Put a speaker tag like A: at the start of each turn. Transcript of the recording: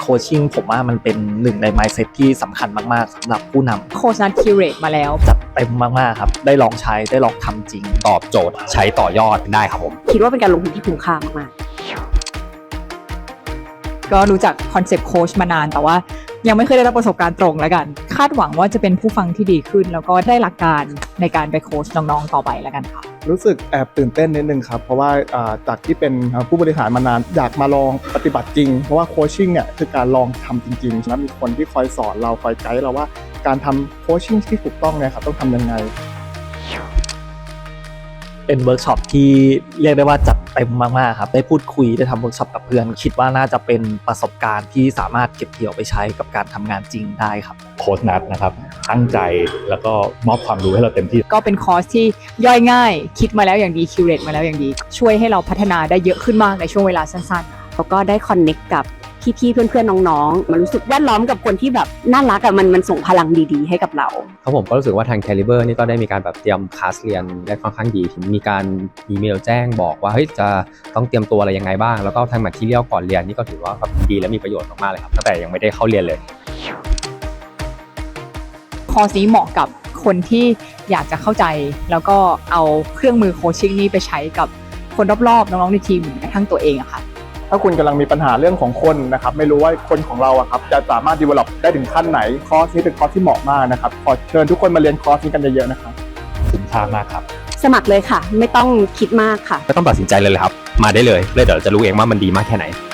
A: โคชชิ่งผมว่ามันเป็นหนึ่งใน mindset ที่สำคัญมากๆสำหรับผู้นำ
B: โค้ชนัดคิวเรตมาแล้ว
A: จัดเต็มมากๆครับได้ลองใช้ได้ลองทำจริง
C: ตอบโจทย์ใช้ต่อยอดได้ครับผม
D: คิดว่าเป็นการลงทุนที่คุ้มค่ามาก
B: ก็รู้จักคอนเซปต์โค้ชมานานแต่ว่ายังไม่เคยได้รับประสบการณ์ตรงแล้วกันคาดหวังว่าจะเป็นผู้ฟังที่ดีขึ้นแล้วก็ได้หลักการในการไปโค้ชน้องๆต่อไปแล้วกันค่ะ
E: รู้สึกแอบตื่นเต้นนิดนึงครับเพราะว่าจากที่เป็นผู้บริหารมานานอยากมาลองปฏิบัติจริงเพราะว่าโคชชิ่งเนี่ยคือการลองทำจริงๆแล้วมีคนที่คอยสอนเราคอยไกด์เราว่าการทำโคชชิ่งที่ถูกต้องเนี่ยครับต้องทำยังไง
A: เป็นเวิร์กช็อปที่เรียกได้ว่าจัดเต็มมากๆครับได้พูดคุยได้ทำเวิร์กช็อปกับเพื่อนคิดว่าน่าจะเป็นประสบการณ์ที่สามารถเก็บเกี่ยวไปใช้กับการทำงานจริงได้ครับ
F: โค้ชนัทนะครับตั้งใจแล้วก็มอบความรู้ให้เราเต็มที่
B: ก็เป็นคอร์สที่ย่อยง่ายคิดมาแล้วอย่างดีคิวเรตมาแล้วอย่างดีช่วยให้เราพัฒนาได้เยอะขึ้นมากในช่วงเวลาสั้น
D: ๆแล้วก็ได้คอนเน็กกับพี่ๆเพื่อนๆน้องๆมันรู้สึกแวดล้อมกับคนที่แบบน่ารักอะมันส่งพลังดีๆให้กับเรา
C: ครับผมก็รู้สึกว่าทาง Caliber นี่ก็ได้มีการแบบเตรียมคลาสเรียนได้ค่อนข้างดีมีการอีเมลแจ้งบอกว่าเฮ้ยจะต้องเตรียมตัวอะไรยังไงบ้างแล้วก็ทางแมททีเรียลก่อนเรียนนี่ก็ถือว่าแบบดีและมีประโยชน์มากๆเลยครับตั้งแต่ยังไม่ได้เข้าเรียนเลย
B: คอร์สนี้เหมาะกับคนที่อยากจะเข้าใจแล้วก็เอาเครื่องมือโคชชิ่งนี้ไปใช้กับคนรอบๆน้องๆในทีมหรือกระทั่งตัวเองอะค่ะ
E: ถ้าคุณกำลังมีปัญหาเรื่องของคนนะครับไม่รู้ว่าคนของเราอะครับจะสามารถ develop ได้ถึงขั้นไหนคอร์สนี้เป็นคอร์สที่เหมาะมากนะครับขอเชิญทุกคนมาเรียนคอร์สนี้กันเยอะๆนะครับ
F: คุ้มค่ามากครับ
D: สมัครเลยค่ะไม่ต้องคิดมากค่ะ
C: ไม่ต้องตัดสินใจเลยครับมาได้เลยเดี๋ยวจะรู้เองว่ามันดีมากแค่ไหน